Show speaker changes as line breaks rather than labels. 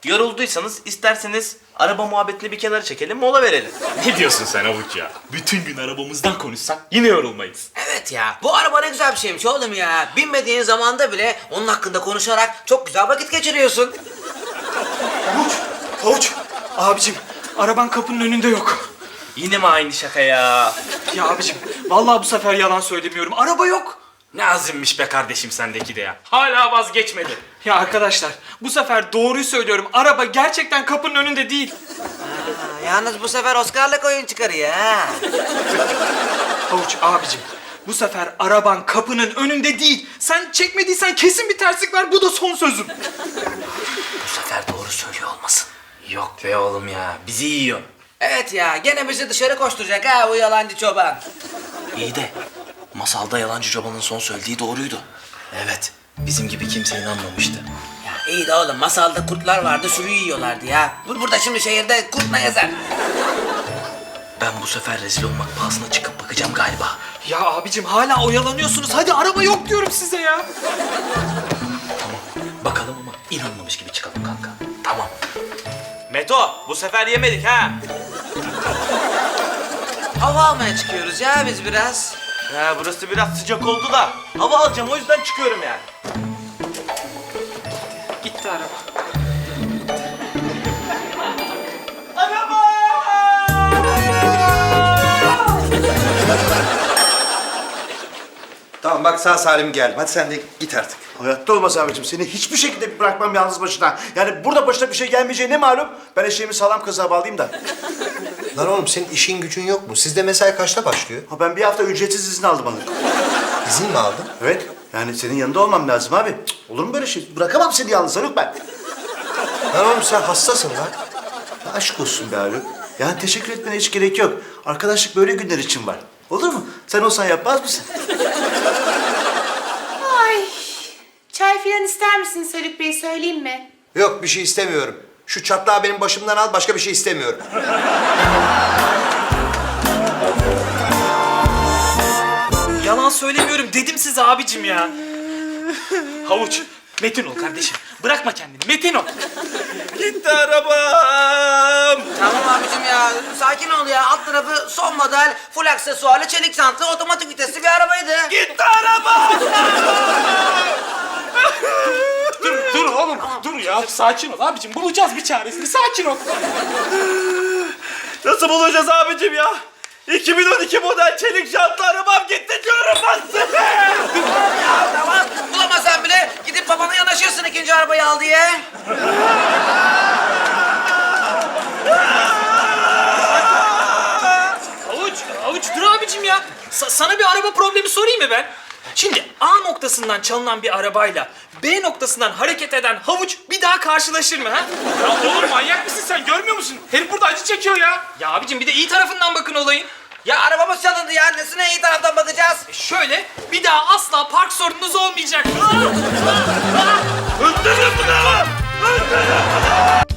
Yorulduysanız isterseniz araba muhabbetini bir kenara çekelim, mola verelim.
Ne diyorsun sen Havuç ya? Bütün gün arabamızdan konuşsak yine yorulmayız.
Evet ya, bu araba ne güzel bir şeymiş oğlum ya. Binmediğin zamanda bile onun hakkında konuşarak çok güzel vakit geçiriyorsun.
Havuç, abicim araban kapının önünde yok.
Yine mi aynı şaka ya?
Ya abicim vallahi bu sefer yalan söylemiyorum. Araba yok.
Ne azimmiş be kardeşim sendeki de ya. Hala vazgeçmedi.
Ya arkadaşlar bu sefer doğruyu söylüyorum. Araba gerçekten kapının önünde değil.
Yalnız bu sefer Oscar'lık oyun çıkarıyor ha.
Havuç abicim bu sefer araban kapının önünde değil. Sen çekmediysen kesin bir terslik var. Bu da son sözüm.
Bu sefer doğru söylüyor olmasın.
Yok be oğlum ya, bizi yiyor.
Evet ya, gene bizi dışarı koşturacak ha bu yalancı çoban.
İyi de masalda yalancı çobanın son söylediği doğruydu. Evet, bizim gibi kimse inanmamıştı.
Ya iyi de oğlum, masalda kurtlar vardı, sürüyü yiyorlardı ya. Burada şimdi şehirde kurt ne yazar?
Ben bu sefer rezil olmak pahasına çıkıp bakacağım galiba.
Ya abicim hala oyalanıyorsunuz. Hadi araba yok diyorum size ya.
Bakalım ama inanmamış gibi çıkalım kanka. Tamam. Meto, bu sefer yemedik ha.
Hava almaya çıkıyoruz ya biz biraz.
Ya burası biraz sıcak oldu da hava alacağım, o yüzden çıkıyorum yani.
Gitti araba.
Tamam bak sağ salim geldim. Hadi sen de git artık.
Hayatta olmaz abicim. Seni hiçbir şekilde bırakmam yalnız başına. Yani burada başına bir şey gelmeyeceği ne malum? Ben eşeğimi sağlam kazığa bağlayayım da.
Lan oğlum senin işin gücün yok mu? Sizde mesai kaçta başlıyor?
Ha, ben bir hafta ücretsiz izin aldım hanım.
İzin mi aldın?
Evet. Yani senin yanında olmam lazım abi. Cık, olur mu böyle şey? Bırakamam seni yalnız Haluk ben.
Lan oğlum sen hastasın lan.
Ya aşk olsun be Haluk. Yani teşekkür etmene hiç gerek yok. Arkadaşlık böyle günler için var. Olur mu? Sen olsan yapmaz mısın?
Ay, çay filan ister misiniz Haluk Bey, söyleyeyim mi?
Yok bir şey istemiyorum. Şu çatlağı benim başımdan al, başka bir şey istemiyorum.
Yalan söylemiyorum dedim size abicim ya. Havuç, metin ol kardeşim. Bırakma kendini, metin ol.
Gitti arabam.
Tamam abicim ya, sakin ol ya. Alt tarafı son model, full aksesuarlı, çelik jantlı, otomatik vitesli bir arabaydı.
Gitti arabam.
Dur oğlum, dur ya. Sakin ol abicim, bulacağız bir çaresini. Sakin ol.
Nasıl bulacağız abicim ya? 2012 model çelik jantlı arabam gitti diyorum ben size.
Ya tamam, bulamasan bile gidip babana yanaşırsın ikinci arabayı al diye.
Havuç dur abicim ya. Sana bir araba problemi sorayım mı ben? Şimdi A noktasından çalınan bir arabayla B noktasından hareket eden Havuç bir daha karşılaşır mı ha? Ya oğlum manyak mısın sen, görmüyor musun? Herif burada acı çekiyor ya. Ya abicim bir de iyi tarafından bakın olayın.
Ya arabamız çalındı ya, nesine iyi taraftan bakacağız?
Şöyle bir daha asla park sorununuz olmayacak.
Öldürün bunu. Öldürün bunu.